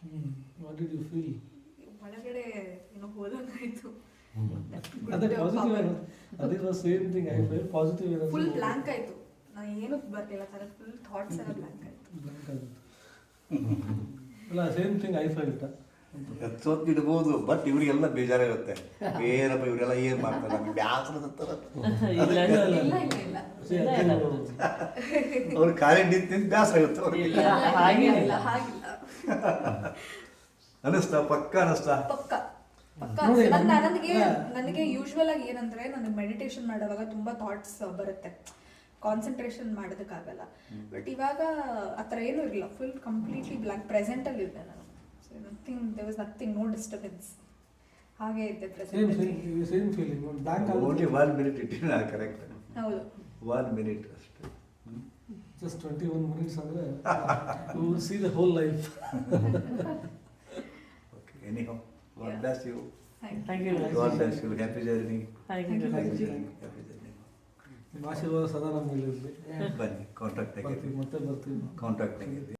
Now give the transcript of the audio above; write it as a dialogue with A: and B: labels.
A: What did you feel?
B: ಒಳಗಡೆ ಏನೋ ಹೋದಂಗಾಯ್ತು.
A: ಅದೇ ಪಾಸಿಟಿವ್. ಅದೇ same thing I feel positive.
B: Full blank ಆಯ್ತು. ನಾನು ಏನು ಬರ್ಲಿಲ್ಲ ತರ ಫುಲ್ ಥಾಟ್ಸ್ ಎಲ್ಲ ಬ್ಲಾಂಕ್ ಆಯ್ತು.
A: ಅಲ್ಲ ಸೇಮ್ ಥಿಂಗ್ ಐ ಫೀಲ್.
C: ಎತ್ತೋತ್ತಿಡ್ಬೋದು, ಬಟ್ ಇವರಿಗೆಲ್ಲ ಬೇಜಾರಿರುತ್ತೆ. ಏನಪ್ಪ ಇವರೆಲ್ಲ ಏನು ಮಾಡ್ತಾರೆ, ನಮಗೆ ಬ್ಯಾಸರದಂತಾರ. ಅವ್ರು ಖಾಲಿ ನಿಂತು ಬೇಸರ ಆಗುತ್ತೆ ಅವ್ರಿಗೆ. ಅನಿಸ್ತಾ? ಪಕ್ಕ ಅನಿಸ್ತಾ?
B: ನನಗೆ ಯೂಶ್ವಲ್ ಆಗಿ ಏನಂದ್ರೆ ನನಗೆ ಮೆಡಿಟೇಷನ್ ಮಾಡುವಾಗ ತುಂಬಾ ಥಾಟ್ಸ್ ಬರುತ್ತೆ, ಕಾನ್ಸಂಟ್ರೇಷನ್ ಮಾಡೋದಕ್ಕಾಗಲ್ಲ. ಬಟ್ ಇವಾಗ ಆ ಥರ ಏನೂ ಇರಲಿಲ್ಲ, ಫುಲ್ ಕಂಪ್ಲೀಟ್ಲಿ ಬ್ಲಾಂಕ್ ಪ್ರೆಸೆಂಟ್ ಅಲ್ಲಿ ಇದ್ದೆ ನಾನು. Nothing, there was nothing, no disturbance. ಹಾಗೆ ಇದ್ದೆ present.
A: Same feeling. Blank
C: only 1 minute ಇಟ್ಟಿನ ಕರೆಕ್ಟ್.
B: ಹೌದು,
C: 1 minute ಅಷ್ಟೇ.
A: ಜಸ್ಟ್ 21 minutes ಅಂದ್ರೆ you will see the whole life.
C: Okay, anyhow, God bless you.
B: Thank you.
C: God bless you. Happy journey.
B: Thank you.
C: Happy journey.
A: ನಿಮ್ಮ ಆಶೀರ್ವಾದ ಸದಾ ನಮ್ಮ ಮೇಲೆ ಇರಲಿ.
C: ಬನ್ನಿ, ಕಾಂಟ್ಯಾಕ್ಟ್
A: ಬರ್ತೀವಿ, ಮತ್ತೆ ಬರ್ತೀವಿ.
C: ಕಾಂಟ್ಯಾಕ್ಟ್